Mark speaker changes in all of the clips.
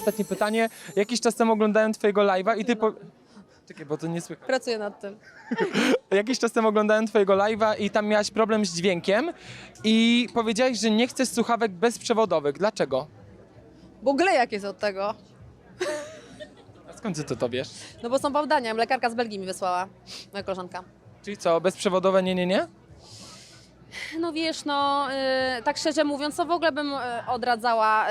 Speaker 1: ostatnie pytanie. Jakiś czas temu oglądałem twojego live'a i ty Czekaj, bo to nie słychać.
Speaker 2: Pracuję nad tym.
Speaker 1: Jakiś czas temu oglądałem twojego live'a i tam miałaś problem z dźwiękiem i powiedziałaś, że nie chcesz słuchawek bezprzewodowych. Dlaczego?
Speaker 2: Bo glejak jest od tego.
Speaker 1: A skąd ty to wiesz?
Speaker 2: No bo są bałdania. Lekarka z Belgii mi wysłała. Moja koleżanka.
Speaker 1: Czyli co, bezprzewodowe nie?
Speaker 2: No wiesz, no tak szczerze mówiąc, to w ogóle bym odradzała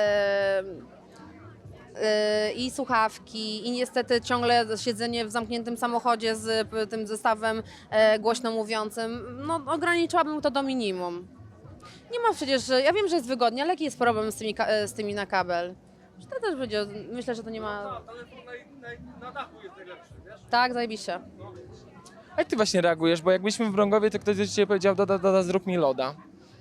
Speaker 2: i słuchawki, i niestety ciągle siedzenie w zamkniętym samochodzie z tym zestawem głośno mówiącym. No ograniczyłabym to do minimum. Nie ma przecież, ja wiem, że jest wygodnie, ale jaki jest problem z tymi na kabel? Że to też będzie, myślę, że to nie ma...
Speaker 3: Telefon na dachu jest najlepszy, wiesz?
Speaker 2: Tak, zajebiście.
Speaker 1: A jak ty właśnie reagujesz? Bo jak byliśmy w Brągowie, to ktoś do ciebie powiedział, Doda, zrób mi loda.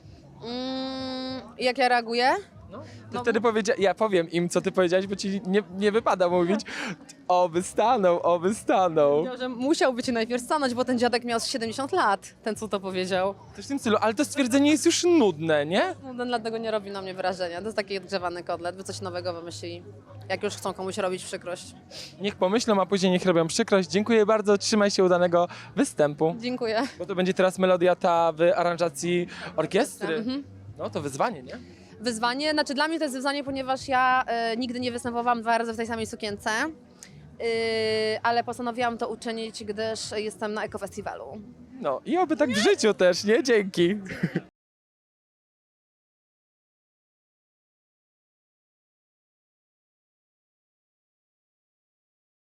Speaker 2: Jak ja reaguję?
Speaker 1: Ty wtedy ja powiem im, co ty powiedziałeś, bo ci nie wypada mówić. Oby stanął.
Speaker 2: Powiedział, że musiałby ci najpierw stanąć, bo ten dziadek miał z 70 lat, ten co to powiedział.
Speaker 1: Coś w tym stylu, ale to stwierdzenie jest już nudne, nie?
Speaker 2: No, ten dlatego nie robi na mnie wrażenia. To jest taki odgrzewany kotlet, by coś nowego wymyślili. Jak już chcą komuś robić przykrość.
Speaker 1: Niech pomyślą, a później niech robią przykrość. Dziękuję bardzo, trzymaj się udanego występu.
Speaker 2: Dziękuję.
Speaker 1: Bo to będzie teraz melodia ta w aranżacji orkiestry. No to wyzwanie, nie?
Speaker 2: Wyzwanie, znaczy dla mnie to jest wyzwanie, ponieważ ja nigdy nie występowałam 2 razy w tej samej sukience, ale postanowiłam to uczynić, gdyż jestem na ekofestiwalu.
Speaker 1: No i oby tak w życiu też, nie? Dzięki.